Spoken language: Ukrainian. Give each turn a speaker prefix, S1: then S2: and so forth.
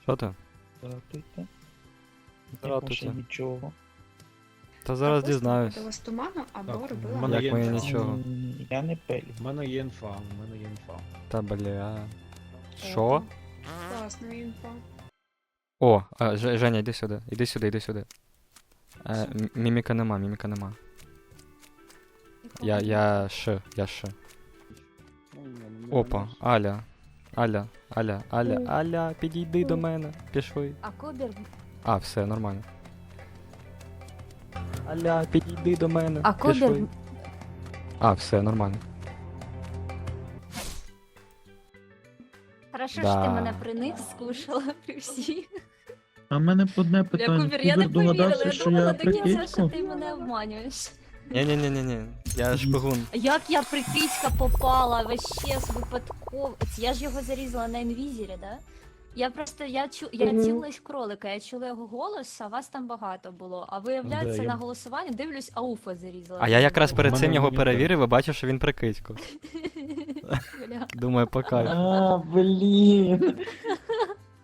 S1: Що ти?
S2: Здравствуйте.
S1: Здравствуйте.
S2: Ще нічого.
S1: Та зараз дізнаюсь.
S3: Ось туману або
S4: Так,
S3: робила.
S4: в мене
S1: Як
S4: є
S1: моє
S4: інфа.
S1: нічого.
S2: Я не пелю.
S4: В мене є інфа, в мене є інфа.
S1: Та бля. Що?
S3: Класна інфа.
S1: О, Женя, іди сюди. Іди сюди, іди сюди. Міміка нема, міміка нема. Я Ш. Опа, Аля, підійди до мене. Пішли.
S5: А Кубер...
S1: А, все, нормально. Аля, підійди до мене.
S5: А Кубер...
S1: Пішли. А, все, нормально.
S5: Хорошо,
S1: Да.
S5: що ти мене при них скушала при всіх.
S2: А в мене одне
S5: Я
S2: питання.
S5: Кубер, я не повірила,
S2: догадався,
S5: я
S2: що
S5: думала
S2: я
S5: до кінця, що
S2: прикидько?
S5: ти мене обманюєш.
S1: Ні, я шпигун.
S5: Як я при Кицька попала, вообще з випадково. Я ж його зарізала на інвізірі, да? Я просто, я цілилась в кролика, я чула його голос, а вас там багато було. А виявляється,
S4: Да, я-
S5: на голосуванні дивлюсь, Ауфа зарізала.
S1: А я якраз перед
S4: мене
S1: цим його
S4: монітор.
S1: перевірив і бачив, що він прикидько.
S5: Бля.
S1: Думаю, по кайфу.
S2: А, блін.